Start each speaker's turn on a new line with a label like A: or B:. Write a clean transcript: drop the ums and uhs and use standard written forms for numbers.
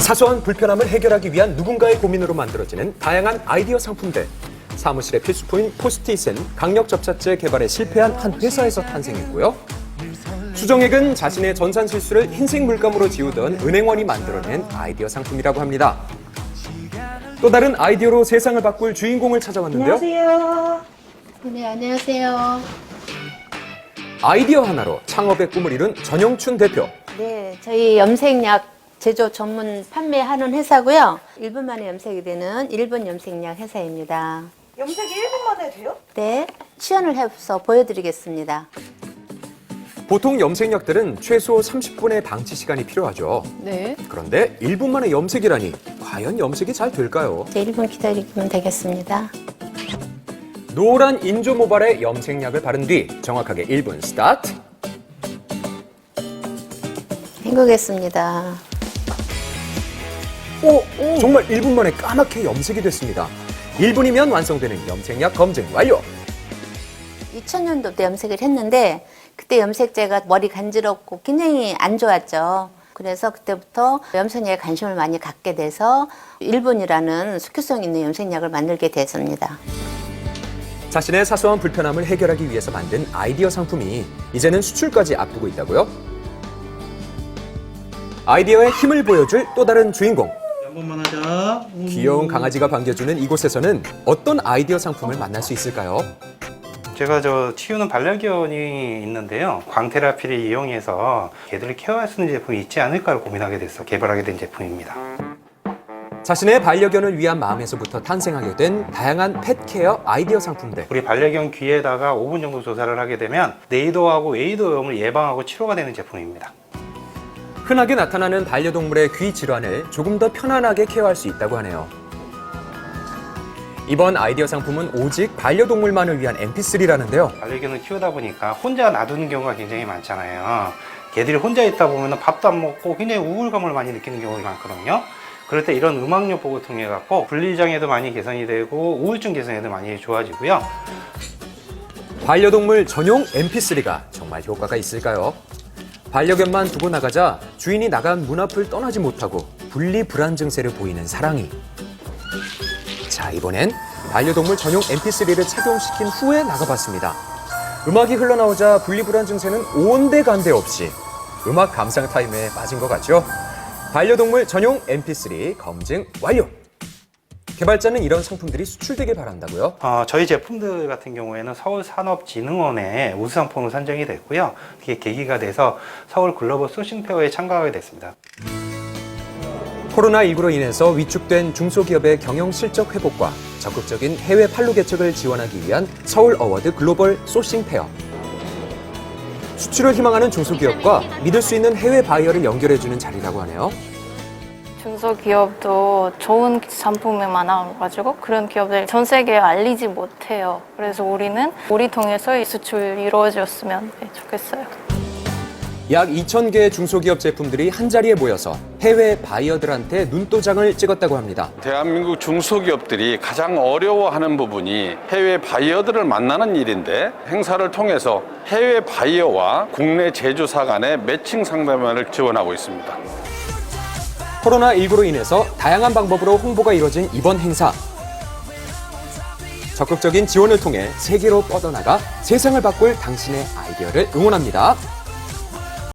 A: 사소한 불편함을 해결하기 위한 누군가의 고민으로 만들어지는 다양한 아이디어 상품들. 사무실의 필수품인 포스트잇은 강력 접착제 개발에 실패한 한 회사에서 탄생했고요. 수정액은 자신의 전산 실수를 흰색 물감으로 지우던 은행원이 만들어낸 아이디어 상품이라고 합니다. 또 다른 아이디어로 세상을 바꿀 주인공을 찾아왔는데요.
B: 안녕하세요.
C: 네, 안녕하세요.
A: 아이디어 하나로 창업의 꿈을 이룬 전영춘 대표.
C: 네, 저희 염색약 제조 전문 판매하는 회사고요. 1분 만에 염색이 되는 일본 염색약 회사입니다.
B: 염색이 1분 만에 돼요?
C: 네, 시연을 해서 보여드리겠습니다.
A: 보통 염색약들은 최소 30분의 방치 시간이 필요하죠.
C: 네.
A: 그런데 1분 만에 염색이라니 과연 염색이 잘 될까요?
C: 이제 1분 기다리면 되겠습니다.
A: 노란 인조 모발에 염색약을 바른 뒤 정확하게 1분 스타트.
C: 헹구겠습니다.
A: 오, 정말 1분 만에 까맣게 염색이 됐습니다. 1분이면 완성되는 염색약 검증 완료.
C: 2000년도 때 염색을 했는데 그때 염색제가 머리 간지럽고 굉장히 안 좋았죠. 그래서 그때부터 염색약에 관심을 많이 갖게 돼서 1분이라는 수큐성 있는 염색약을 만들게 됐습니다.
A: 자신의 사소한 불편함을 해결하기 위해서 만든 아이디어 상품이 이제는 수출까지 앞두고 있다고요? 아이디어의 힘을 보여줄 또 다른 주인공.
D: 한 번만 하자.
A: 귀여운 강아지가 반겨주는 이곳에서는 어떤 아이디어 상품을 만날 수 있을까요?
D: 제가 치우는 반려견이 있는데요. 광테라피를 이용해서 개들을 케어할 수 있는 제품이 있지 않을까를 고민하게 돼서 개발하게 된 제품입니다.
A: 자신의 반려견을 위한 마음에서부터 탄생하게 된 다양한 펫케어 아이디어 상품들.
D: 우리 반려견 귀에다가 5분 정도 조사를 하게 되면 네이도하고 웨이도염을 예방하고 치료가 되는 제품입니다.
A: 흔하게 나타나는 반려동물의 귀 질환을 조금 더 편안하게 케어할 수 있다고 하네요. 이번 아이디어 상품은 오직 반려동물만을 위한 mp3라는데요.
D: 반려견을 키우다 보니까 혼자 놔두는 경우가 굉장히 많잖아요. 개들이 혼자 있다 보면 밥도 안 먹고 굉장히 우울감을 많이 느끼는 경우가 많거든요. 그럴 때 이런 음악요 보고 통해 갖고 분리장애도 많이 개선이 되고 우울증 개선에도 많이 좋아지고요.
A: 반려동물 전용 mp3가 정말 효과가 있을까요? 반려견만 두고 나가자 주인이 나간 문 앞을 떠나지 못하고 분리 불안 증세를 보이는 사랑이. 자, 이번엔 반려동물 전용 mp3를 착용시킨 후에 나가봤습니다. 음악이 흘러나오자 분리 불안 증세는 온데간데 없이 음악 감상 타임에 빠진 것 같죠? 반려동물 전용 mp3 검증 완료! 개발자는 이런 상품들이 수출되길 바란다고요?
D: 저희 제품들 같은 경우에는 서울산업진흥원의 우수상품으로 선정이 됐고요. 그게 계기가 돼서 서울 글로벌 소싱페어에 참가하게 됐습니다.
A: 코로나19로 인해서 위축된 중소기업의 경영 실적 회복과 적극적인 해외 판로 개척을 지원하기 위한 서울 어워드 글로벌 소싱 페어. 수출을 희망하는 중소기업과 믿을 수 있는 해외 바이어를 연결해주는 자리라고 하네요.
E: 중소기업도 좋은 상품이 많아가지고 그런 기업들 전 세계에 알리지 못해요. 그래서 우리 통해서 이 수출이 이루어졌으면 좋겠어요.
A: 약 2,000개의 중소기업 제품들이 한자리에 모여서 해외 바이어들한테 눈도장을 찍었다고 합니다.
F: 대한민국 중소기업들이 가장 어려워하는 부분이 해외 바이어들을 만나는 일인데 행사를 통해서 해외 바이어와 국내 제조사 간의 매칭 상담을 지원하고 있습니다.
A: 코로나19로 인해서 다양한 방법으로 홍보가 이뤄진 이번 행사. 적극적인 지원을 통해 세계로 뻗어나가 세상을 바꿀 당신의 아이디어를 응원합니다.